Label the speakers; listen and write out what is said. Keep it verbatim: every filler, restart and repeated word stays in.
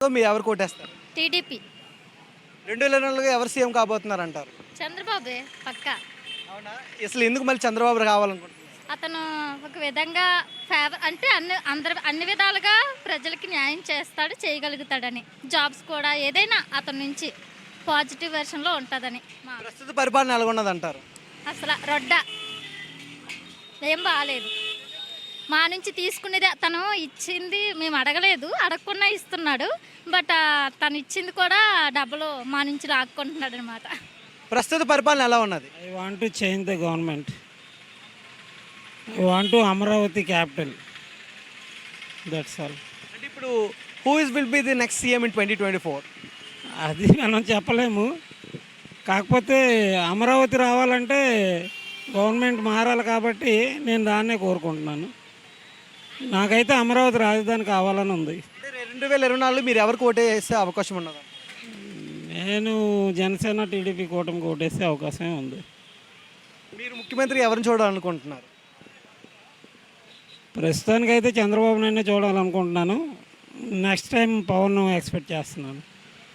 Speaker 1: మొత్తం మీరు ఎవరు కోటేస్తారు?
Speaker 2: టీడీపీ.
Speaker 1: రెండు వేల ఇరవై నాలుగులో ఎవరు సీఎం కాబోతున్నారు అంటారు?
Speaker 2: చంద్రబాబే పక్కా.
Speaker 1: అవునా? అసలు ఎందుకు మళ్ళీ చంద్రబాబు కావాలనుకుంటున్నారు?
Speaker 2: అతను ఒక విధంగా ఫేవర్ అంటే అన్ని అందరి అన్ని విధాలుగా ప్రజలకి న్యాయం చేస్తాడు, చేయగలుగుతాడని. జాబ్స్ కూడా ఏదైనా అతని నుంచి పాజిటివ్ వెర్షన్లో ఉంటుందని. మా
Speaker 1: ప్రస్తుత పరిపాలన ఎలా ఉన్నది అంటారు?
Speaker 2: అసలు రొడ్డ ఏం బాగాలేదు. మా నుంచి తీసుకునేది తను ఇచ్చింది మేము అడగలేదు, అడగకుండా ఇస్తున్నాడు. బట్ తను ఇచ్చింది కూడా డబ్బులు మా నుంచి లాక్కుంటున్నాడు అనమాట.
Speaker 1: ప్రస్తుత పరిపాలన ఎలా ఉన్నది?
Speaker 3: I want to change the government. I want to Amaravati capital. That's all.
Speaker 1: అంటే ఇప్పుడు who is will be the next CM in twenty twenty four?
Speaker 3: అది మనం చెప్పలేము. కాకపోతే అమరావతి రావాలంటే గవర్నమెంట్ మారాలి కాబట్టి నేను దాన్నే కోరుకుంటున్నాను. నాకైతే అమరావతి రాజధాని కావాలని ఉంది.
Speaker 1: అంటే రెండు వేల ఇరవై నాలుగులో మీరు ఎవరికి ఓటే వేసే అవకాశం ఉన్నది?
Speaker 3: నేను జనసేన టీడీపీ కూటమి ఓటేసే అవకాశమే ఉంది.
Speaker 1: మీరు ముఖ్యమంత్రి ఎవరిని చూడాలనుకుంటున్నారు?
Speaker 3: ప్రస్తుతానికైతే చంద్రబాబు నాయుడిని చూడాలనుకుంటున్నాను. నెక్స్ట్ టైం పవన్ ఎక్స్పెక్ట్ చేస్తున్నాను.